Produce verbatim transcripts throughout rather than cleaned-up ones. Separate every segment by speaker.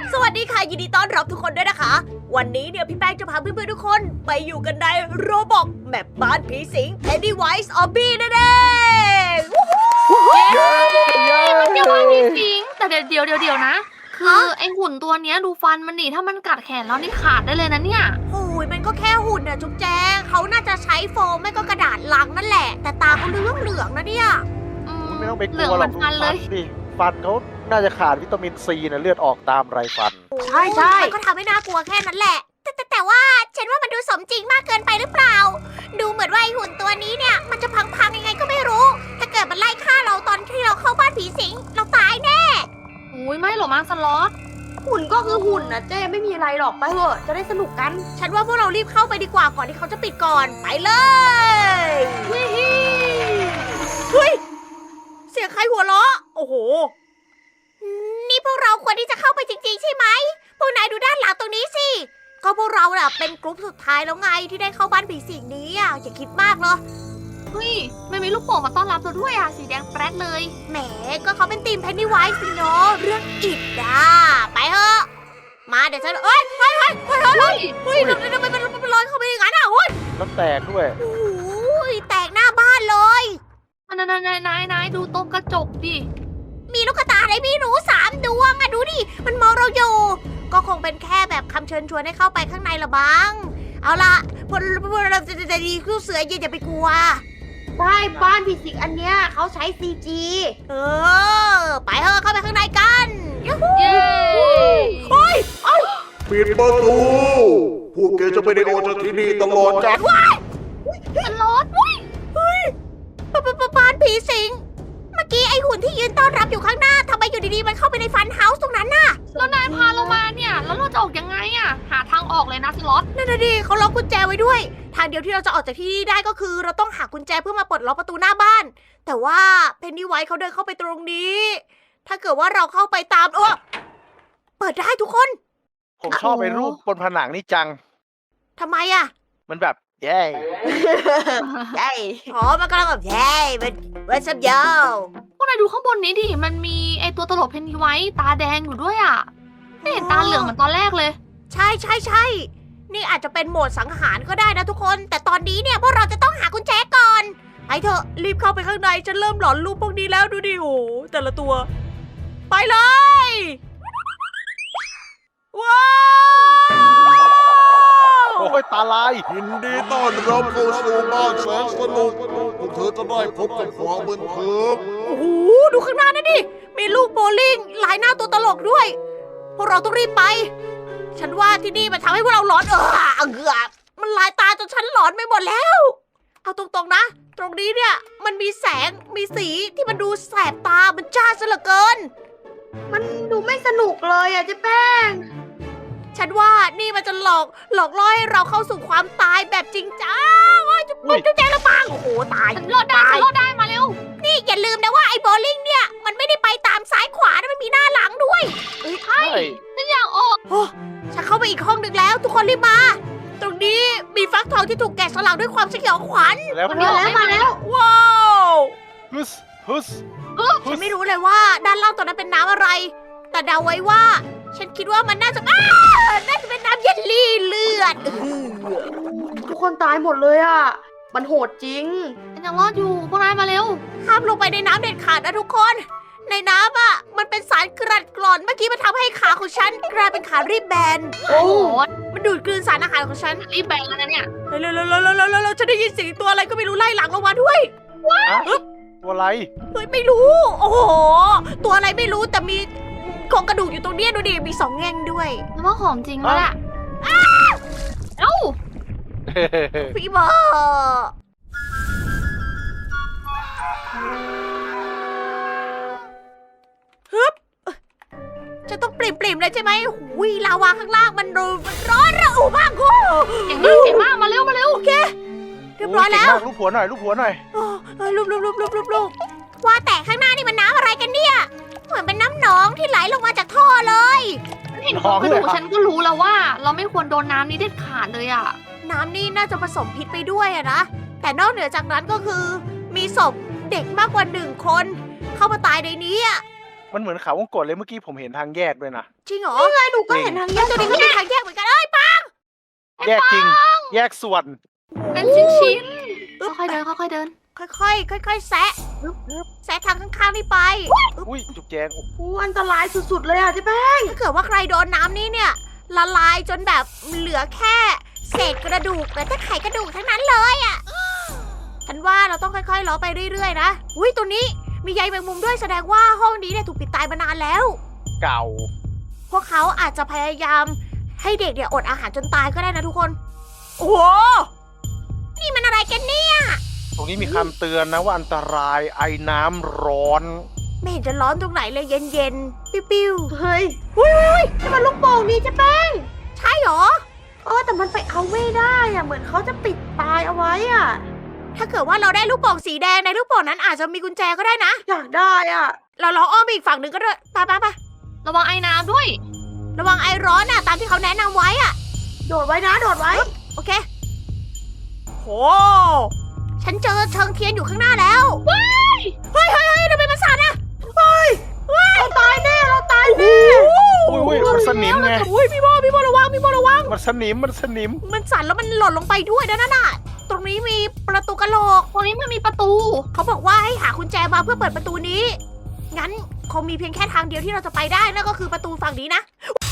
Speaker 1: สวัสดีค่ะยินดีต้อนรับทุกคนด้วยนะคะ วันนี้เนี่ยพี่แป้งจะพาเพื่อนๆทุกคนไปอยู่กันในโรบอกแมปบ้านผีสิง Pennywise Zombie นั่นเอง
Speaker 2: เย้มันเกี่ยวกับผีสิงแต่เดี๋ยวเดี๋ยวเดี๋ยวเดี๋ยวนะ คือไอหุ่นตัวเนี้ยดูฟันมันนี่ถ้ามันกัดแขนเรานี่ขาดได้เลยนะเนี่ย
Speaker 1: โอ้ยมันก็แค่หุ่นอะจุ๊บแจงเขาน่าจะใช้โฟมไม่ก็กระดาษลังนั่นแหละ แต่ตาเขาเหลืองเหลืองๆนะเนี่ย
Speaker 2: อื
Speaker 3: ไม่ต้องไปก
Speaker 2: เหลื
Speaker 3: ลั
Speaker 2: อง
Speaker 3: ว
Speaker 2: เห
Speaker 3: หร
Speaker 2: มื
Speaker 3: อ
Speaker 2: อก นฟันเลย
Speaker 3: ดิฟันเขาน่าจะขาดวิตามินซีนะเลือดออกตามไรฟัน
Speaker 1: ใช่ใช่มันก็ทำให้น่ากลัวแค่นั้นแหละ แต่แต่แต่ว่าฉันว่ามันดูสมจริงมากเกินไปหรือเปล่า ดูเหมือนว่าไอหุ่นตัวนี้เนี่ยมันจะพังๆยังไงก็ไม่รู้ ถ้าเกิดมันไล่ฆ่าเราตอนที่เราเข้าบ้านผีสิงเราตายแน่
Speaker 2: อุ้ยไม่หรอกมั้งสล็อต
Speaker 4: หุ่นก็คือหุ่นนะเจ้ไม่มีอะไรหรอกไปเถอะจะได้สนุกกัน
Speaker 1: ฉันว่าพวกเรารีบเข้าไปดีกว่าก่อนที่เขาจะปิดก่อน ไปเลย เฮ้ย เสียงใครหัวเราะ โอ้โห นี่พวกเราควรที่จะเข้าไปจริงๆใช่ไหม พวกนายดูด้านหลังตรงนี้สิ ก็พวกเราน่ะเป็นกลุ่มสุดท้ายแล้วไงที่ได้เข้าบ้านผีสิงนี้อ่ะอย่าคิดมากเลย
Speaker 2: เฮ้ยไม่มีลูกโป่งมาต้อนรับเราด้วยอ่ะสีแดงแปรดเลย
Speaker 1: แหม ก็เขาเป็นทีม Pennywise สิเนาะเรื่องอิดอ่ะไปเถอะ มาเดี๋ยวฉันเอ้ยเฮ้ยเฮ้ยเฮ้ยเฮ้ยเฮ้ยทำไมทำไมมันมันลอยเข้าไปอย่างนั้นอ่ะโอ้ย
Speaker 3: น้ำแตกด้วย
Speaker 1: โอ้ยแตกหน้าบ้านเลย
Speaker 2: อันนั้นนายนายนายดูตรงกระจกดิ
Speaker 1: มีลูกตาอะไรไม่รู้สามดวงอะดูดิ มันมองเราอยู่ ก็คงเป็นแค่แบบคำเชิญชวนให้เข้าไปข้างในละบ้าง เอาละพวกพวกเราจะจะจะดีคู่เสือเย็นอย่าไปกลัว
Speaker 4: ใช่บ้านผีสิงอันเนี้ยเขาใช้ ซี จี
Speaker 1: เออ ไปเถอะเข้าไปข้างในกันยูฮู
Speaker 2: เย้
Speaker 1: เฮ้ย
Speaker 5: ปิดประตู พวกแกจะไม่ได้ออกจากที่นี่ตลอดจ้ะ
Speaker 2: สล็อตอุ้ย
Speaker 1: เฮ้ยปะปะปะบ้านผีสิง เมื่อกี้ไอหุ่นที่ยืนต้อนรับอยู่ข้างหน้าทำไมอยู่ดีๆมันเข้าไปในฟันเฮาส์ตรงนั้นน่ะ
Speaker 2: แล้วนายพาเรามาเนี่ยแล้วเราจะออกยังไงอ่ะหาทางออกเลยนะสล็อต
Speaker 1: นั่นน่ะดิเขาล็อกกุญแจไว้ด้วย ทางเดียวที่เราจะออกจากที่นี่ได้ก็คือ เราต้องหากุญแจเพื่อมาปลดล็อกประตูหน้าบ้าน แต่ว่าเพนนี่ไวท์เขาเดินเข้าไปตรงนี้ ถ้าเกิดว่าเราเข้าไปตามเออเปิดได้ทุกคน
Speaker 3: ผมชอบไปรูปบนผนังนี่จัง
Speaker 1: ทำไมอะ
Speaker 3: มันแบบเย้
Speaker 4: ใช่
Speaker 1: อ๋อมันกำลังแบบเย้มันมันสับยาว
Speaker 2: พวกนายดูข้างบนนี้ดิมันมีไอตัวตลกเพนนีไว้ตาแดงอยู่ด้วยอ่ะไม่เห็นตาเหลืองเหมือนตอนแรกเลย
Speaker 1: ใช่ใช่ใช่นี่อาจจะเป็นโหมดสังหารก็ได้นะทุกคน แต่ตอนนี้เนี่ยพวกเราจะต้องหากุญแจก่อนไปเถอะรีบเข้าไปข้างในฉันเริ่มหลอนรูปพวกนี้แล้วดูดิโอ้แต่ละตัว ไปเลยว้าว
Speaker 3: โอ้ยตาลาย
Speaker 5: ยินดีต้อนรับเข้าสู่บ้านแสนสนุก พวกเธอจะได้พบกับความบันเทิง
Speaker 1: โอ้โหดูข้างหน้านั่นดิมีลูกโบว์ลิ่งลายหน้าตัวตลกด้วย พวกเราต้องรีบไป ฉันว่าที่นี่มันทำให้พวกเราหลอนเออเกือบมันลายตาจนฉันหลอนไปหมดแล้ว เอาตรงๆนะ ตรงนี้เนี่ยมันมีแสงมีสีที่มันดูแสบตามันจ้าซะเหลือเกิน
Speaker 4: มันดูไม่สนุกเลยอ่ะเจ๊แป้ง
Speaker 1: ฉันว่านี่มันจะหลอกหลอกล่อให้เราเข้าสู่ความตายแบบจริงจังโอ้ยจุ๊บ
Speaker 3: อุ๊ย
Speaker 1: จุ๊บแจงละปังโอ้โหตาย
Speaker 2: ฉันรอดได้ฉันรอดได้มาเร็ว
Speaker 1: นี่อย่าลืมนะว่าไอ้โบลิ่งเนี่ยมันไม่ได้ไปตามซ้ายขวานะมันมีหน้าหลังด้วย
Speaker 3: ใช่
Speaker 2: ฉันอยากออก
Speaker 1: โอ้ฉันเข้าไปอีกห้องหนึ่งแล้ว ทุกคนรีบมา ตรงนี้มีฟักทองที่ถูกแกะสลักด้วยความสยองขวัญ
Speaker 3: แล้ว
Speaker 2: มัน
Speaker 4: มาแล้วมาแล้ว
Speaker 1: ว้าว
Speaker 3: ฮึสฮึส
Speaker 1: ฉันไม่รู้เลยว่าด้านล่างตรงนั้นเป็นน้ำอะไร แต่เดาไว้ว่า ฉันคิดว่ามันน่าจะอ้าน่าจะเป็นน้ำเยลลี่เลือด
Speaker 4: ทุกคนตายหมดเลยอ่ะมันโหดจริง
Speaker 2: ฉันยังรอดอยู่พวกนายมาเร็ว
Speaker 1: ห้ามลงไปในน้ำเด็ดขาดนะทุกคน ในน้ำอ่ะมันเป็นสารกรัดกร่อนเมื่อกี้มันทำให้ขาของฉันกลายเป็นขารีบแบน
Speaker 2: โอ้โห
Speaker 1: มันดูดกลืนสารอาหารของฉัน
Speaker 2: รีบแบงแล้วนะเนี่ย
Speaker 1: เร็วเร็วเร็วเร็วเร็วเร็วฉันได้ยินเสียงตัวอะไรก็ไม่รู้ไล่หลังลงมาด้วย
Speaker 3: อะตัวอะไร
Speaker 1: เฮ้ยไม่รู้ โอ้โห ตัวอะไรไม่รู้แต่มีโครงกระดูกอยู่ตรงเนี้ยดูดิ มีสองแง่งด้วย
Speaker 2: ฉันว่าของจริงแล้วแหละเอ้า
Speaker 1: พี่บอกฮึบจะต้องปริ่มปริมๆเลยใช่ไหมหุยลาวาข้างล่างมันร้อนมันร้อนระอุมากกู
Speaker 2: เก่งมากเก่งมากมาเร็วมาเร็ว
Speaker 1: โอเค เรียบร้อยแล้ว
Speaker 3: โเก่งมากรูปหัวหน่อยรูปหัวหน่อย
Speaker 1: โอ้เอ้ยลุบลุบลุบลุบลุบลุบว่าแต่ข้างหน้านี่มันน้ำอะไรกันเนี่ย เหมือนเป็นน้ำหนองที่ไหลลงมาจากท่อเลย
Speaker 2: ฉันเห็นโครงกระดูกฉันก็รู้แล้วว่า เราไม่ควรโดนน้ำนี้เด็ดขาดเลยอ่ะ
Speaker 1: น้ำนี่น่าจะผสมพิษไปด้วยอะนะ แต่นอกเหนือจากนั้นก็คือ มีศพเด็กมากกว่าหนึ่งคน เข้ามาตายในนี้อะ
Speaker 3: มันเหมือนเขาวงกตเลยเมื่อกี้ผมเห็นทางแยกด้วยนะ
Speaker 1: จริงเหรอ
Speaker 4: นี่ไงหนูก็เห็นทางแย
Speaker 1: แล้ว
Speaker 4: ก
Speaker 1: ตัวนี้ก็มีทางแยกเหมือนกันเอ้ยปะ
Speaker 3: แยกจริง แยกส่วน
Speaker 2: เป็นชิ้นชิ้นๆค่อยๆเดินค่อยๆเดิน
Speaker 1: ค่อยๆค่อยๆแซะแซะทางข้างๆนี่ไป
Speaker 3: อุ้ยจุกแจงโอ้โห
Speaker 4: อู้อันตรายสุดๆเลยอ่ะเจ๊แป้ง
Speaker 1: ถ้าเกิดว่าใครโดนน้ำนี้เนี่ยละลายจนแบบเหลือแค่เศษกระดูกแต่ถ้าไขกระดูกทั้งนั้นเลยอ่ะฉันว่าเราต้องค่อยๆล้อไปเรื่อยๆนะอุ้ยตัวนี้มีใยแมงมุมด้วยแสดงว่าห้องนี้เนี่ยถูกปิดตายมานานแล้ว
Speaker 3: เก่า
Speaker 1: พวกเขาอาจจะพยายามให้เด็กเนี่ยอดอาหารจนตายก็ได้นะทุกคน โอ้โหนี่มันอะไรกันเนี่ย
Speaker 3: ตรงนี้มีคำเตือนนะว่าอันตรายไอน้ำร้อน
Speaker 1: ไม่เห็นจะร้อนตรงไหนเลยเย็นๆปิ้ว
Speaker 4: เฮ้ยอุ้ยนี่มันลูกโป่งนี่เจ๊แป้ง
Speaker 1: ๆใช่เหรอ
Speaker 4: เออแต่มันไปเอาไม่ได้อ่ะเหมือนเขาจะปิดตายเอาไว้อ่ะ
Speaker 1: ถ้าเกิดว่าเราได้ลูกโป่งสีแดงในลูกโป่งนั้นอาจจะมีกุญแจก็ได้นะ
Speaker 4: อยากได้อ่ะ
Speaker 1: เราลองอ้อมไปอีกฝั่งหนึ่งก็ได้ไปไปไประ
Speaker 2: วังไอ้น้ำด้วย
Speaker 1: ระวังไอร้อนน่ะตามที่เขาแนะนำไว้อะ
Speaker 4: โดดไว้นะโดดไว้
Speaker 1: โอเคโหฉันเจอเชิงเทียนอยู่ข้างหน้าแล้วเฮ้ยเฮ้ยเฮ้ยทำไมมันสั่นอะเฮ้ย
Speaker 4: เราตายแน่เราตายแน่
Speaker 3: อุ้ยอุ้ยมันสนิมไง
Speaker 1: อุ้ยพี่โบพี่โบระวังพี่โบระวัง
Speaker 3: มันสนิมมันสนิม
Speaker 1: มันสั่นแล้วมันหล่นลงไปด้วยนะนั่นน่ะตรงนี้มีประตูกระโหลก
Speaker 2: ตรงนี้มันมีประตู
Speaker 1: เขาบอกว่าให้หากุญแจมาเพื่อเปิดประตูนี้ งั้นคงมีเพียงแค่ทางเดียวที่เราจะไปได้นั่นก็คือประตูฝั่งนี้นะ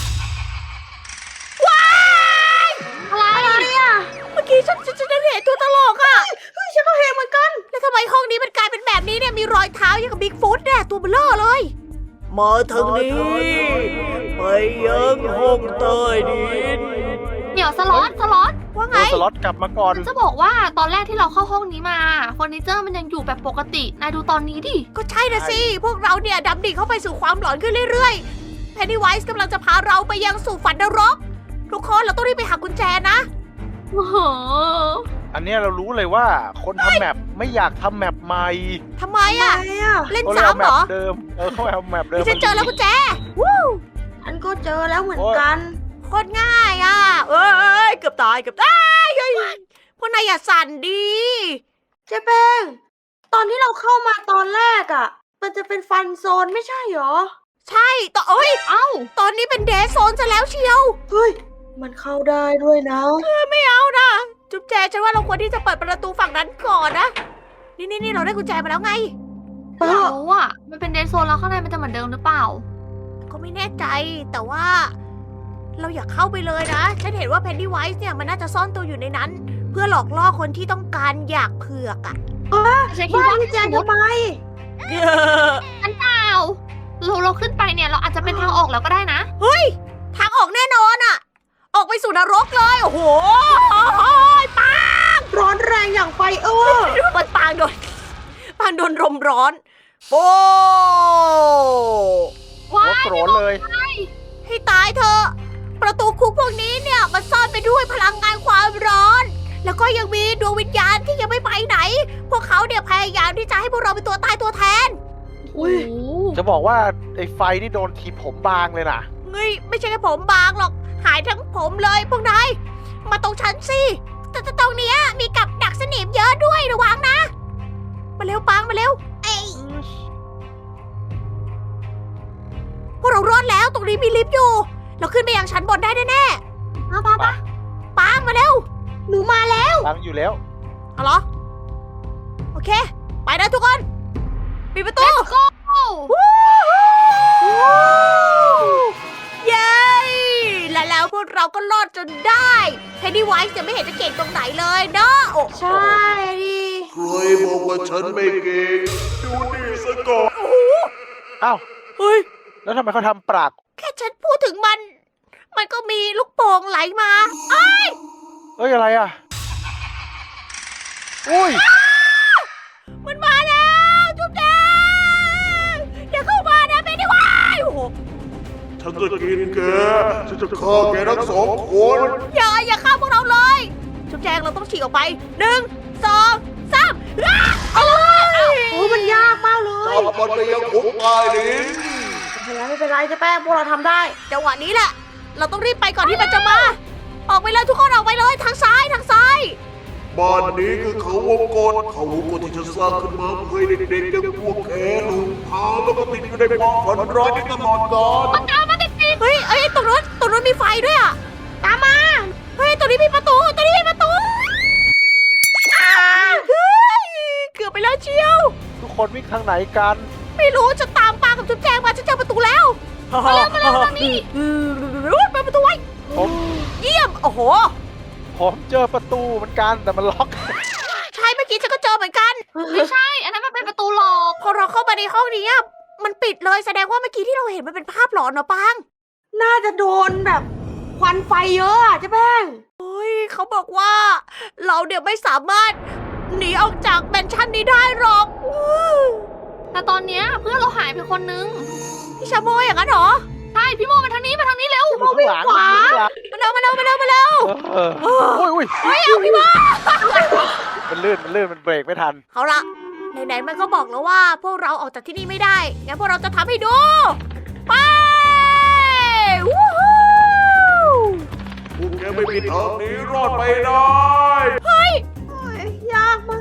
Speaker 1: ว้าย
Speaker 2: อะไร
Speaker 4: อ่ะ
Speaker 1: เมื่อกี้ฉันฉันฉันเห็นตัวตลกอะ
Speaker 4: เฮ้ยฉันก็เห็นเหมือนกัน
Speaker 1: แล้วทำไมห้องนี้มันกลายเป็นแบบนี้เนี่ย มีรอยเท้าอย่างกับบิ๊กฟุตเนี่ยตัวเบลอเลย มาทางนี้ไปยังห้องใต้ดิน
Speaker 2: เดี๋ยวสล็อตสล็อต
Speaker 1: ว่าไง
Speaker 3: โดนสล็อตกลับมาก่อน
Speaker 2: จะบอกว่าตอนแรกที่เราเข้าห้องนี้มาเฟอร์นิเจอร์มันยังอยู่แบบปกตินายดูตอนนี้ดิ
Speaker 1: ก็ใช่นะสิ พวกเราเนี่ยดำดิ่งเข้าไปสู่ความหลอนขึ้นเรื่อยๆ เพนนีไวส์กำลังจะพาเราไปยังสู่ฝันนรก ทุกคนเราต้องรีบไปหากุญแจนะ
Speaker 2: โอ้โห
Speaker 3: อันเนี้ยเรารู้เลยว่าคนทำแมปไม่อยากทำแมปใหม่
Speaker 1: ทำไม
Speaker 4: ทำ
Speaker 1: อะ
Speaker 4: ไมอ่ะ
Speaker 1: เล่น
Speaker 3: เขาเลยเอา
Speaker 1: ซ้ำ
Speaker 3: แม
Speaker 1: เหร
Speaker 3: ป
Speaker 1: อ
Speaker 3: เดิม เออเขาเอาแมปเดิม
Speaker 1: นี่ฉันเจอแล้วกุญแจ วู้
Speaker 4: ฉันก็เจอแล้วเหมือนกัน
Speaker 1: โคตรง่ายอ่ะ เอ้ยเกือบตายเกือบตายเฮ้ยพวกนายอย่าสั่นดี
Speaker 4: เจ๊แป้ง ตอนที่เราเข้ามาตอนแรกอ่ะ มันจะเป็นฟันโซนไม่ใช่หรอ
Speaker 1: ใช่ต่อเอ้ย
Speaker 2: เอ้า
Speaker 1: ตอนนี้เป็นเดซโซนซะแล้วเชียว
Speaker 4: เฮ้ย มันเข้าได้ด้วยนะ
Speaker 1: ไม่เอานะ จุ๊บแจฉันว่าเราควรที่จะเปิดประตูฝั่งนั้นก่อนนะ นี่นี่นี่เราได้กุญแจมาแล้วไง
Speaker 4: เอ
Speaker 2: อยาก
Speaker 4: อ
Speaker 2: รู้อ่ะ มันเป็นเดนโซนแล้วข้างในมันจะเหมือนเดิมหรือเปล่า
Speaker 1: ก็ไม่แน่ใจแต่ว่า เราอยากเข้าไปเลยนะ ฉันเห็นว่าเพนนีไวส์เนี่ยมันน่าจะซ่อนตัวอยู่ในนั้น เพื่อหลอกล่อคนที่ต้องการอยากเผือกอะ
Speaker 2: ฉันคิด
Speaker 4: บ้าน
Speaker 2: ว่า
Speaker 4: พี่แจ
Speaker 2: ส
Speaker 4: น
Speaker 2: มมติ
Speaker 4: ทำไม
Speaker 2: ฉันเปล่าเราเราขึ้นไปเนี่ยเราอาจจะเป็นทางออกแล้วก็ได้นะ
Speaker 1: เฮ้ย ทางออกแน่นอนอะออกไปสู่นรกเลย โอ้โหปา
Speaker 4: ร้อนแรงอย่างไฟเออ
Speaker 1: มันปางโดนปางโดนลมร้อนโอ้
Speaker 3: หัวโกรนเลย
Speaker 1: ให้ตายเถอะประตูคุกพวกนี้เนี่ยมันซ่อนไปด้วยพลังงานความร้อน แล้วก็ยังมีดวงวิญญาณที่ยังไม่ไปไหน พวกเขาเนี่ยพยายามที่จะให้พวกเราเป็นตัวตายตัวแทน
Speaker 4: อุ้ย
Speaker 3: จะบอกว่าไอ้ไฟนี่โดนทีผมบางเลยนะ
Speaker 1: เฮ้ยไม่ใช่แค่ผมบางหรอกหายทั้งผมเลยพวกนายมาตรงฉันสิแต่แต่ตรงเนี้ยมีกับดักสนิมเยอะด้วยระวังนะ มาเร็วปังมาเร็วเอ้ยพวกเรารอดแล้วตรงนี้มีลิฟต์อยู่ เราขึ้นไปยังชั้นบนได้แน่ๆมาปะปะปังมาเร็วหนูมาแล้ว
Speaker 3: บางอยู่แล้ว
Speaker 1: เอาเหรอโอเค ไปนะทุกคนปิดประตู
Speaker 2: Let's go
Speaker 1: วู้ฮู้เย้และแล้วพวกเราก็รอดจนได้เพนนีไวส์จะไม่เห็นจะเก่งตรงไหนเลยเนาะโอ้
Speaker 4: ใช่ดิ
Speaker 5: ใครบอกว่าฉันไม่เก่งดูนี่ซะก่อน
Speaker 3: อ้าว
Speaker 1: เฮ้ย
Speaker 3: แล้วทำไมเขาทำปราก
Speaker 1: แค่ฉันพูดถึงมัน มันก็มีลูกโป่งไหลมาเอ้ย
Speaker 3: เอ้ยอะไรอ่ะ อุ้ย
Speaker 1: มันมาแล้วจุ๊บแดงอย่าเข้ามานะเพนนีไวส์โอ้โห
Speaker 5: ฉันจะกินแก ฉันจะฆ่าแกทั้งสองคน
Speaker 1: อย่าอย่าฆ่าพวกเราเลยจุ๊บแจงเราต้องฉีกออกไปหนึ่งสองสามอ้าเอาเลย
Speaker 4: โอ้มันยากมากเลย
Speaker 5: จับมันไปยังคุกใต้ดิน
Speaker 4: ไม่เป็นไรไม่เป็นไรเจ๊แป้งพวกเราทำได้
Speaker 1: จังหวะนี้แหละ เราต้องรีบไปก่อนที่มันจะมา ออกไปเลยทุกคนออกไปเลยทางซ้ายทางซ้าย
Speaker 5: บ้านนี้คือเขาวงกตเขาวงกตที่ฉันสร้างขึ้นมาเพื่อให้เด็กๆอย่างพวกแกหลงทางแล้วก็ติดอยู่ในความฝันร้ายนี้ตลอดกาล
Speaker 2: มันตามมาติดติ
Speaker 1: เฮ้ยเอ้ยตรงนู้นตรงนู้นมีไฟด้วยอ่ะตามมาเฮ้ยตรงนี้มีประตูตรงนี้มีประตูอ่าเฮ้ยเกือบไปแล้วเชียว
Speaker 3: ทุกคนวิ่งทางไหนกัน
Speaker 1: ไม่รู้จะตามปากับจุ๊บแจงมาฉันเจอประตูแล้วมาเร็วมาเร็วทางนี้เปิดประตูไว้
Speaker 3: ผม
Speaker 1: เยี่ยมโอ้โห
Speaker 3: ผมเจอประตูเหมือนกันแต่มันล็อก
Speaker 1: ใช่เมื่อกี้ฉันก็เจอเหมือนกัน
Speaker 2: ไม่ใช่ อันนั้นมันเป็นประตูหลอก
Speaker 1: พอเราเข้ามาในห้องนี้อะมันปิดเลยแสดงว่าเมื่อกี้ที่เราเห็นมันเป็นภาพหลอนเนอะปัง
Speaker 4: น่าจะโดนแบบควันไฟเยอะอะเจ๊แป้ง
Speaker 1: เฮ้ยเขาบอกว่า เราเดี๋ยวไม่สามารถหนีออกจากแมนชั่นนี้ได้หรอกอื้อ
Speaker 2: แต่ตอนเนี้ยเพื่อนเราหายไปคนนึง
Speaker 1: พี่ชาโมยอย่างนั้นเหรอ
Speaker 2: ใช่พี่โมมาทางนี้มาทางนี้เร็ว
Speaker 3: อยู่ข้างหลังอยู่ข้างหลัง
Speaker 1: มาเร็วมาเร็วมาเร็วมาเร็ว
Speaker 3: เออโอ้ยโอ้ย
Speaker 1: เฮ้ยเอาพี่โม
Speaker 3: มันลื่นมันลื่นมันเบรกไม่ทัน
Speaker 1: เอาละไหนๆมันก็บอกแล้วว่า พวกเราออกจากที่นี่ไม่ได้งั้นพวกเราจะทำให้ดู ไปวู้ฮู้
Speaker 5: พวกแกไม่มีทางหนี้รอดไปได้
Speaker 1: เฮ้ย
Speaker 4: โอ้ยยากมาก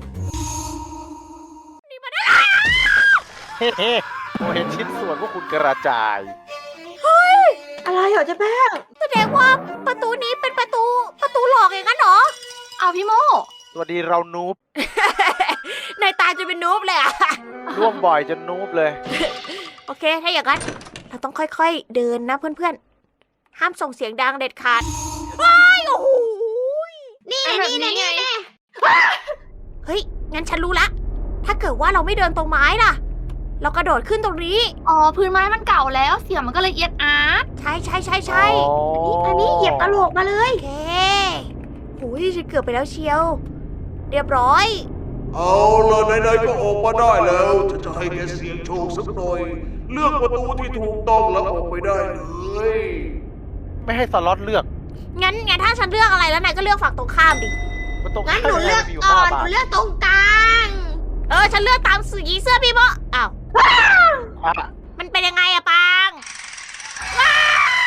Speaker 1: นี่มันได้
Speaker 3: เฮ้เฮ้ผมเห็นชิ้นส่วนพวกคุณกระจาย
Speaker 4: อะไรเหรอเจ๊แป้ง
Speaker 1: แสดงว่าประตูนี้เป็นประตูประตูหลอกอย่างนั้นเหรอ
Speaker 2: เอาพี่โม
Speaker 3: สวัสดีเรานูบ
Speaker 1: ในตาจะเป็นนูบเลยอะ
Speaker 3: ร่วงบ่อยจนนูบเลย
Speaker 1: โอเค ถ้าอย่างนั้น เราต้องค่อยๆ เดินนะเพื่อนๆ ห้ามส่งเสียงดังเด็ดขาดว้ายโอ้โหนี่
Speaker 2: ไอ้แบบ
Speaker 1: นี่
Speaker 2: นี้
Speaker 1: นี่
Speaker 2: ไง
Speaker 1: นี่เฮ้ย งั้นฉันรู้ละ ถ้าเกิดว่าเราไม่เดินตรงไม้ล่ะ เรากระโดดขึ้นตรงนี้
Speaker 2: อ๋อพื้นไม้มันเก่าแล้วเสียงมันก็เลยเอียดอาร์ต
Speaker 1: ใช่ใช่ใช่ใช่
Speaker 3: อ๋อ
Speaker 4: อันนี้เหยียบกระโหลกมาเลย
Speaker 1: โอเคโอ้ยฉันเกือบไปแล้วเชียว เรียบร้อย
Speaker 5: เอาละไหนๆก็ออกมาได้แล้วฉันจะให้แกเสี่ยงโชคสักหน่อย เลือกประตูที่ถูกต้องแล้วออกไปได้เลย
Speaker 3: ไม่ให้สล็อตเลือก
Speaker 1: งั้นงั้นถ้าฉันเลือกอะไรแล้วนายก็เลือกฝั่งตรงข้ามดิ
Speaker 3: มันตรง
Speaker 1: งั้นหนู
Speaker 3: ข้าม
Speaker 1: เลือก
Speaker 3: มียู่
Speaker 1: ก่อน
Speaker 3: ห้า
Speaker 1: ห
Speaker 3: บา
Speaker 1: นู
Speaker 3: ท
Speaker 1: เลือกตรงกลาง เออ ฉันเลือกตามสีเสื้อพี่โมอ้าว
Speaker 3: อ่ะ
Speaker 1: มันเป็นยังไงอะปังว้า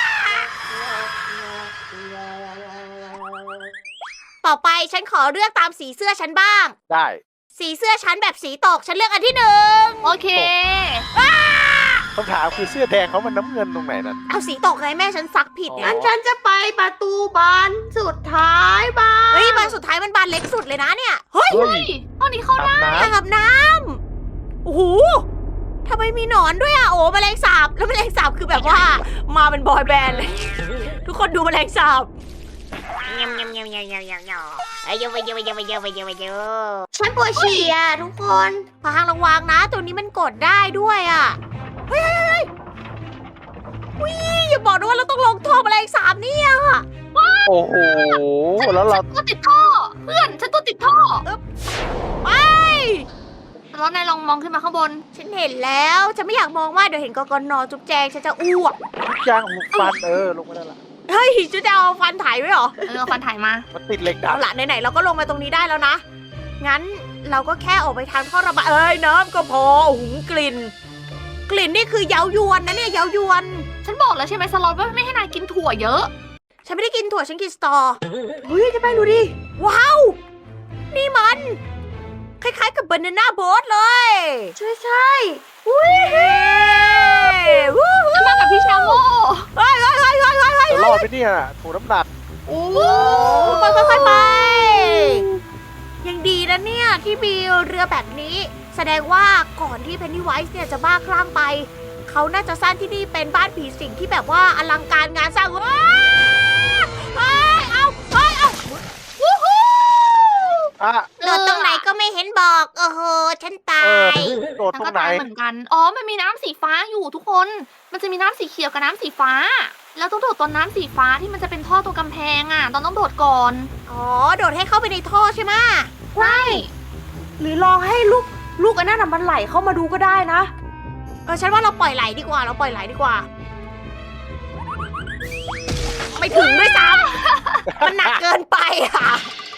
Speaker 1: ต่อไปฉันขอเลือกตามสีเสื้อฉันบ้าง
Speaker 3: ได้
Speaker 1: สีเสื้อฉันแบบสีตก ฉันเลือกอันที่หนึ่ง
Speaker 2: โอเค
Speaker 3: คำถามคือเสื้อแดงเขามันน้ำเงินตรงไหนนั่น
Speaker 1: เอาสีตกไงแม่ฉันซักผิด
Speaker 3: อ๋อ
Speaker 1: ไง
Speaker 4: งั้นฉันจะไปประตูบานสุดท้ายบ้าน
Speaker 1: เฮ้ยบานสุดท้ายมันบานเล็กสุดเลยนะเนี่ย เฮ้ย
Speaker 3: เฮ้ย
Speaker 2: ห้องนี้เข้าได้
Speaker 3: อาบน้
Speaker 1: อ่างอาบน้ำโอ้โหทำไมมีหนอนด้วยอะโอ้แมลงสาบ แล้วแมลงสาบคือแบบว่า มาเป็นบอยแบนด์เลย ทุกคนดูแมลงสาบยำยำยำยำยำยำยำเยอะไปเยอะไปเยอะไปเยอะไปเยอะไปเยอะ
Speaker 4: ฉันปวดฉี่อะทุกคน
Speaker 1: พางระวังนะ ตัวนี้มันกดได้ด้วยอะเฮ้ยเฮ้ยเฮ้ยวิอย่าบอกนะว่าเราต้องลงท่อแมลงสาบเนี่ย
Speaker 3: ำโอ้โห แล้วเรา
Speaker 2: ตัวติดท่อ เพื่อนฉันตัวติดท่อ
Speaker 1: ไป
Speaker 2: แล้วนายลองมองขึ้นมาข้างบน
Speaker 1: ฉันเห็นแล้วฉันไม่อยากมองว่าเดี๋ยวเห็นกกนจุ๊บแจงฉันจะอ้วก
Speaker 3: ยางหูฟันเออลงมาได้ละ
Speaker 1: เฮ้ยจุ๊บจะเอาฟันถ่ายไว้เหรอ
Speaker 2: เออเอาฟันถ่ายมา
Speaker 3: มันติดเหล็กดั
Speaker 1: เอา
Speaker 3: ด
Speaker 1: ละไหนๆเราก็ลงมาตรงนี้ได้แล้วนะ งั้นเราก็แค่ออกไปทางท่อระบายเอ้ยน้ำก็พอโอ้โหูกลิ่น กลิ่นนี่คือเย้ายวนนะเนี่ยเย้ายวน
Speaker 2: ฉันบอกแล้วใช่ไหมสล็อตว่าไม่ให้นายกินถั่วเยอะ
Speaker 1: ฉันไม่ได้กินถั่วฉันกินสตอ
Speaker 4: เฮ้ยเจ๊แป้งดูดิ
Speaker 1: ว้าว นี่มัน คล้ายๆกับบานาน่าโบ๊ทเลย
Speaker 4: ใช่ใช่
Speaker 1: อุ้ยเฮ้วู้
Speaker 2: ฉันมากับพี่ชาโม
Speaker 1: เฮ้ยเฮ้ยเฮ้ยเฮ้ยเฮ้ยเฮ้ย
Speaker 3: จะรอดไปเนี่ยถูกน้ำหนัก
Speaker 1: โอ้ไปไปไปไปยังดีนะเนี่ยที่มีเรือแบบนี้ แสดงว่าก่อนที่เพนนีไวส์เนี่ยจะบ้าคลั่งไป เขาน่าจะสร้างที่นี่เป็นบ้านผีสิงที่แบบว่าอลังการงานสร้างว้าวเฮ้ยเอาเฮ้ยเอาวู้ฮู้
Speaker 3: อ่ะ
Speaker 1: โดดตรงไหนก็ไม่เห็นบอก โอ้โห ฉันตา
Speaker 3: เออย โดด
Speaker 2: ฉัน
Speaker 3: ตร
Speaker 2: ก็
Speaker 3: งไหน
Speaker 2: ตายเหมือนกัน อ๋อ มันมีน้ำสีฟ้าอยู่ทุกคน มันจะมีน้ำสีเขียวกับน้ำสีฟ้า แล้วต้องโดดตอนน้ำสีฟ้าที่มันจะเป็นท่อตรงกำแพงอ่ะตอนต้องโดดก่อน
Speaker 1: อ๋อ โดดให้เข้าไปในท่อใช่ไหม
Speaker 2: ใช่
Speaker 4: หรือลองให้ลูกลูกอันนั้นน่ะมันไหลเข้ามาดูก็ได้นะ
Speaker 1: เออ ฉันว่าเราปล่อยไหลดีกว่า เราปล่อยไหลดีกว่า ไม่ถึงด้วยซ้ำ มันหนักเกินไปอ่ะ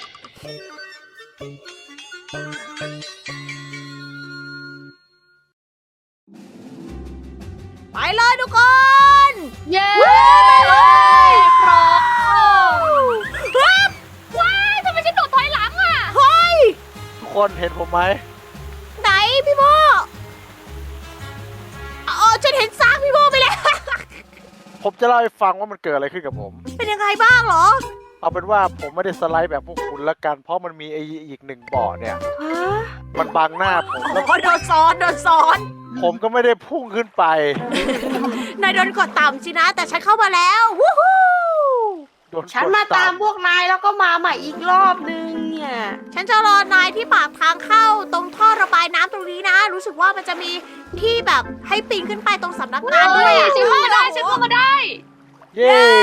Speaker 1: ไปเลยทุกคน
Speaker 2: เย้
Speaker 1: ไปเลย
Speaker 2: พร้อม
Speaker 1: ฮึบ
Speaker 2: ว้ายทำไมฉันโดดถอยหลังอ่ะ
Speaker 1: เฮ้ย
Speaker 3: ทุกคนเห็นผมไหม
Speaker 1: ไหนพี่โมเออฉันเห็นซากพี่โมไปแล้ว
Speaker 3: ผผมจะเล่าให้ฟังว่ามันเกิดอะไรขึ้นกับผม
Speaker 1: เป็นยังไงบ้างเหรอ
Speaker 3: เอาเป็นว่าผมไม่ได้สไลด์แบบพวกคุณละกัน เพราะมันมีไอ้อีกหนึ่งบ่อเนี่ย
Speaker 4: ฮะ
Speaker 3: มันบังหน้าผม
Speaker 1: โอ้
Speaker 3: แล้ว
Speaker 1: โหโดนซ้อนโดนซ้อน
Speaker 3: ผมก็ไม่ได้พุ่งขึ้นไป
Speaker 1: นายโดนกดต่ำสินะ แต่ฉันเข้ามาแล้ววู้ฮู้
Speaker 3: โดนกด
Speaker 4: ฉันมาตามพวกนายแล้วก็มาใหม่อีกรอบนึงเนี่ย
Speaker 1: ฉันจะรอนายที่ปากทางเข้าตรงท่อระบายน้ำตรงนี้นะ รู้สึกว่ามันจะมีที่แบบให้ปีนขึ้นไปตรงสำนักงาน
Speaker 2: เฮ้
Speaker 1: ด้วย
Speaker 2: ย
Speaker 1: อะ
Speaker 2: ฉันเข้ามาได้ฉันเข้ามาได้
Speaker 3: เย้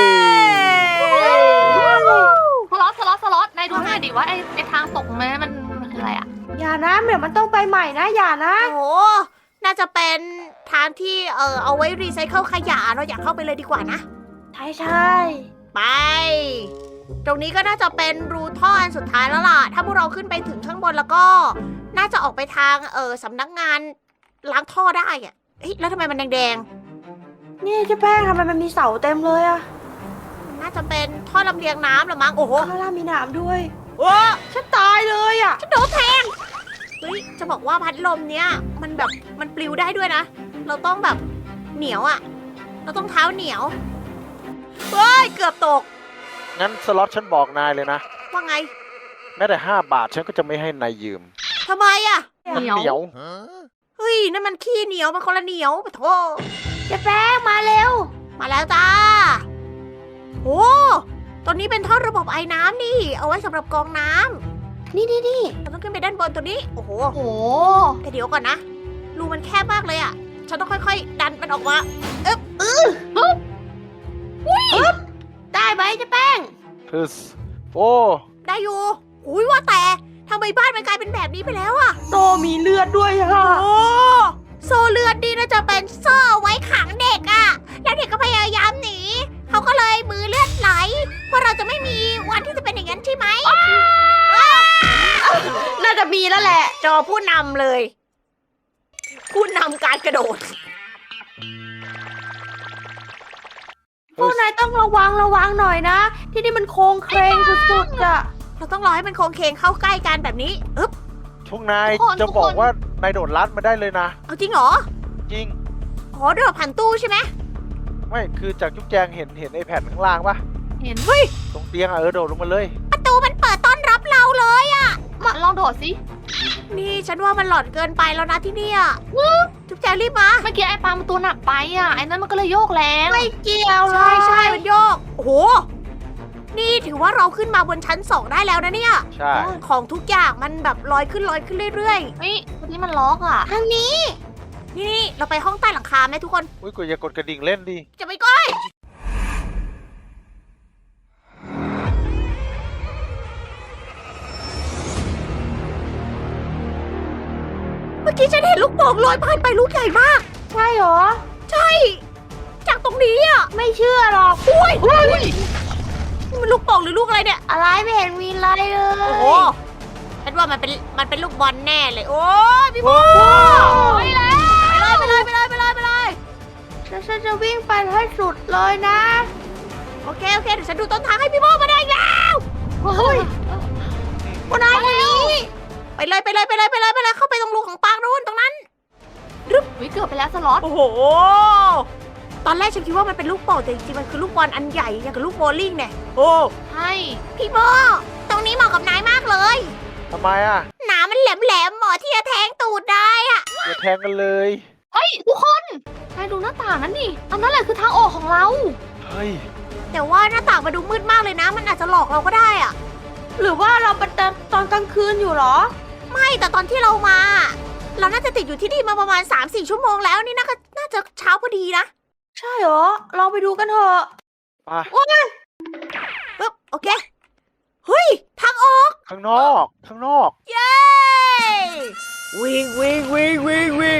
Speaker 2: สล็อตสล็อตสล็อตนายดูหน่อยดิว่าไอ้ไอ้ทางตกมันมันมันคืออะไรอ่ะ
Speaker 4: อย่านะเดี๋ยวมันต้องไปใหม่นะ อย่านะ
Speaker 1: โอ้โห น่าจะเป็นทางที่เออเอาไว้รีไซเคิลขยะเราอยากเข้าไปเลยดีกว่านะ
Speaker 4: ใช่ใช่
Speaker 1: ไป ตรงนี้ก็น่าจะเป็นรูท่ออันสุดท้ายแล้วล่ะ ถ้าพวกเราขึ้นไปถึงข้างบนแล้วก็ น่าจะออกไปทางเออสำนักงานล้างท่อได้อะเฮ้ยแล้วทำไมมันแดง
Speaker 4: นี่เจ๊แป้งทำไมมันมีเสาเต็มเลยอะ
Speaker 1: ๆมันน่าจะเป็นท่อลำเลียงน้ำเหรือมั้ง โอ้โห
Speaker 4: ข้างล่างมีหนามด้วย
Speaker 1: โอ้
Speaker 4: ฉันตายเลยอะ
Speaker 1: ฉันโดนแทง เฮ้ย จะบอกว่าพัดลมเนี้ยมันแบบมันปลิวได้ด้วยนะ เราต้องแบบเหนียวอะเราต้องเท้าเหนียว เฮ้ย เกือบตก
Speaker 3: งั้นสล็อตฉันบอกนายเลยนะ
Speaker 1: ว่าไง
Speaker 3: แม้แต่ห้าบาทฉันก็จะไม่ให้นายยืม
Speaker 1: ทำไมอะ
Speaker 3: มันเหนียว
Speaker 1: เฮ้ย นั่นมันขี้เหนียว มันคนละเหนียวปะโถ
Speaker 4: เจ๊แป้งมาเร็ว
Speaker 1: มาแล้วจ้า โอ้ตอนนี้เป็นท่อระบบไอ้น้ำนี่ เอาไว้สำหรับกรองน้ำ
Speaker 4: นี่นี่นี่
Speaker 1: เราต้องขึ้นไปด้านบนตัวนี้ โอ้โห
Speaker 2: โอ้โห
Speaker 1: แต่เดี๋ยวก่อนนะ รูมันแคบมากเลยอะฉันต้องค่อยๆ ดันมันออกมาเอ๊บเออ
Speaker 4: ได้ไหมเจ๊แป้ง
Speaker 3: ทึสโอ้
Speaker 1: ได้อยู่ อุ้ยว่าแต่ทำไมบ้านมันกลายเป็นแบบนี้ไปแล้วอะ
Speaker 4: โตมีเลือดด้วยอะ
Speaker 1: โอ้โซ่เลือดดีน่าจะเป็นโซ่ไว้ขังเด็กอะแล้วเด็กก็พยายามหนี เขาก็เลยมือเลือดไหล เพราะเราจะไม่มีวันที่จะเป็นอย่างนั้นใช่ไหม
Speaker 4: น่าจะมีแล้วแหละ
Speaker 1: จอผู้นำเลย ผู้นำการกระโดด
Speaker 4: พวกนายต้องระวังระวังหน่อยนะ ที่นี่มันโค้งเครงสุดๆอะ
Speaker 1: เราต้องรอให้มันโค้งเคงเข้าใกล้กันแบบนี้อึ๊บ
Speaker 3: ทุกนาย
Speaker 2: ทุกคน
Speaker 3: จะ
Speaker 2: ทุก
Speaker 3: บอ
Speaker 2: ค
Speaker 3: ก
Speaker 2: น
Speaker 3: ว่านายโดดลัดมาได้เลยนะ
Speaker 1: เอาจริงเหรอ
Speaker 3: จริง
Speaker 1: อ๋อเดือผ่านตู้ใช่ไหม
Speaker 3: ไม่คือจากจุ๊บแจงเห็นเห็นไอ้แผ่นข้างล่างปะ
Speaker 2: เห็น
Speaker 3: ตรงเตียงอะเออโดดลงมาเลย
Speaker 1: ประตูมันเปิดต้อนรับเราเลยอะ
Speaker 2: มาลองโดดสิ
Speaker 1: นี่ฉันว่ามันหลอนเกินไปแล้วนะที่เนี่ยจุ๊บแจงรีบมา
Speaker 2: เมื่อกี้ไอ้ปลามันตัวหนักไปอ่ะไอ้นั้นมันก็เลยโยกแรง
Speaker 4: ไม่เกี่ยวเล
Speaker 1: ใช่
Speaker 4: ย
Speaker 1: ใช่มันโยก โอ้โห นี่ถือว่าเราขึ้นมาบนชั้นสองได้แล้วนะเนี่ย
Speaker 3: ใช่
Speaker 1: ของทุกอย่างมันแบบลอยขึ้นลอยขึ้นเรื่อย
Speaker 2: เฮ้ยวันนี้มันล็อกอ่ะ
Speaker 1: ๆ ทางนี้ นี่นี่เราไปห้องใต้หลังคาไหมทุกคน
Speaker 3: อุ้ยกูอย่ากดกระดิ่งเล่นดิ
Speaker 1: จะไปก้อยเมื่อกี้ฉันเห็นลูกโป่งลอยผ่านไปลูกใหญ่มาก
Speaker 4: ใช่เหรอ
Speaker 1: ใช่ จากตรงนี้อ่ะ
Speaker 4: ไม่เชื่อหรอก
Speaker 1: อุ้ยนี่มันลูกโป่งหรือลูกอะไรเนี่ย
Speaker 4: อะไรไม่เห็นมีอะไรเล
Speaker 1: โอ้
Speaker 4: ย
Speaker 1: โห ฉันว่ามันเป็น มันเป็นลูกบอลแน่เลย โอ้ยพี่โบ
Speaker 2: ไปแล้ว
Speaker 1: ไปเลยไปเลยไปเลยไปเลยไปเลย
Speaker 4: แล้วฉันจะวิ่งไปให้สุดเลยนะ
Speaker 1: โอเคโอเคเดี๋ยวฉันดูต้นทางให้พี่โบมาได้แล้ว
Speaker 2: เฮ้ย
Speaker 1: วันนายทางนี้ ไปเลยไปเลยไปเลยไปเลยไปเลยเข้าไปตรงรูของปางนู่นตรงนั้น
Speaker 2: วิเกือบไปแล้วสล็อต
Speaker 1: โอ้โห ตอนแรกฉันคิดว่ามันเป็นลูกโป่งแต่จริงๆมันคือลูกบอลอันใหญ่อย่างกับลูกโบว์ลิ่งเนี่ย โอ้
Speaker 2: ใช่
Speaker 1: พี่โบตรงนี้เหมาะกับนายมากเลย
Speaker 3: ทำไมอ่ะ
Speaker 1: หนามันแหลมๆเหมาะที่จะแทงตูดได้อะ
Speaker 3: อย่าแทงกันเลย
Speaker 2: เฮ้ยทุกคนนายดูหน้าต่างนั้นดิอันนั้นแหละคือทางออกของเรา
Speaker 3: เฮ้ย
Speaker 1: แต่ว่าหน้าต่างมาดูมืดมากเลยนะ มันอาจจะหลอกเราก็ได้อะ
Speaker 4: หรือว่าเราเป็นตอนกลางคืนอยู่เหรอ
Speaker 1: ไม่แต่ตอนที่เรามา เราน่าจะติดอยู่ที่นี่มาประมาณ สามสี่ ชั่วโมงแล้วนี่น่าจะน่าจะเช้าพอดีนะ
Speaker 4: ใช่เหรอ ลองไปดูกันเถอะ
Speaker 3: ไป
Speaker 1: ปึ๊บโอเค เฮ้ย ทางออก
Speaker 3: ข้างนอก ข้างนอก
Speaker 1: เย้วิ่งวิ่งวิ่งวิ่งวิ่ง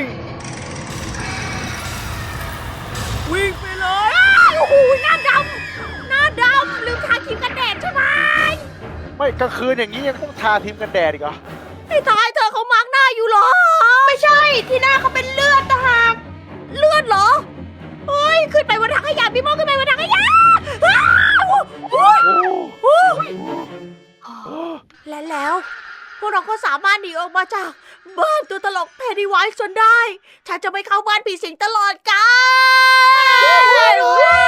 Speaker 1: วิ่งไปเลยอ้าวโอ้โหหน้าดำหน้าดำลืมทาครีมกันแดดใช่ไหม
Speaker 3: ไม่กลางคืนอย่างนี้ยังต้องทาทีมกันแดดอีกเหรอ
Speaker 1: ไอ้ตายเธอเขามาร์กหน้าอยู่เหรอ
Speaker 4: ไม่ใช่ ที่หน้าเขาเป็นเลือดต่างหาก
Speaker 1: เลือดเหรอ เฮ้ย ขึ้นไปบนถังขยะพี่โมขึ้นไปบนถังขยะอ้าวโอ้ย
Speaker 3: โอ้
Speaker 1: โอ้ยและแล้ว พวกเราก็สามารถหนีออกมาจากบ้านตัวตลกเพนนีไวส์จนได้ ฉันจะไม่เข้าบ้านผีสิงตลอดกาล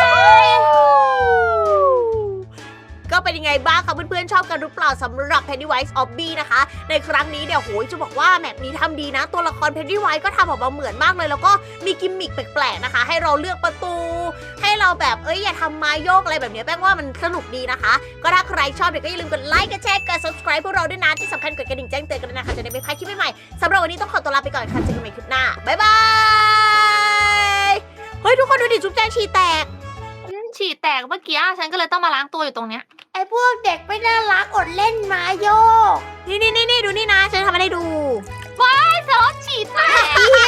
Speaker 1: ก็เป็นยังไงบ้างคะเพื่อนๆชอบกันหรือเปล่าสำหรับ Pennywise Obby นะคะ ในครั้งนี้เดี๋ยวโหยจะบอกว่าแมปนี้ทำดีนะ ตัวละคร Pennywise ก็ทำออกมาเหมือนมากเลย แล้วก็มีกิมมิคแปลกๆนะคะ ให้เราเลือกประตู ให้เราแบบเอ้ยอย่าทำไม้โยกอะไรแบบนี้แป้งว่ามันสนุกดีนะคะ ก็ถ้าใครชอบเดี๋ยวก็อย่าลืมกดไลค์กดแชร์กด subscribe พวกเราด้วยนะที่สำคัญกดกระดิ่งแจ้งเตือนกันด้วยนะคะจะได้ไม่พลาดคลิปใหม่ๆสำหรับวันนี้ต้องขอตัวลาไปก่อนค่ะเจอกันใหม่คลิปหน้าบ๊ายบายเฮ้ยทุกคนดูดิจุ๊บแจงฉี่แตก
Speaker 2: ฉี่แตกเมื่อกี้ฉันก็เลยต้องมาล้างตัวอยู่ตรงเนี้ย
Speaker 4: ไอ้พวกเด็กไม่น่ารักอดเล่นไม้โยก
Speaker 1: นี่นี่นี่นี่ดูนี่นะฉันทำให้ดู
Speaker 2: ไอ้เธอฉี่แตก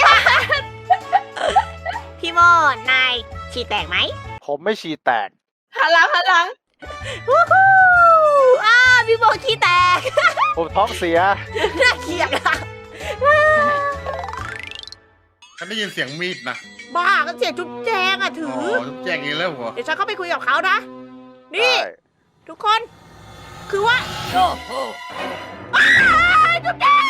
Speaker 1: พี่โมนายฉี่แตกไหม
Speaker 3: ผมไม่ฉี่แตก
Speaker 4: หันหลังหันหลัง
Speaker 1: วู้ฮู้อ้าพี่โมขี้แตก
Speaker 3: ผมท้องเสีย
Speaker 1: น่าเกลียดอะ
Speaker 6: ฉันได้ยินเสียงมีดนะ
Speaker 1: บ้าก็เสียจุ๊บแจงอะถื
Speaker 6: อ๋
Speaker 1: อ
Speaker 6: อแจ้งอีกแล้วเหรอ
Speaker 1: เดี๋ยวฉันเข้าไปคุยกับเขานะ นี่
Speaker 3: ได้
Speaker 1: ทุกคน คือว่าโอ้โหอ้าจุ๊บแจง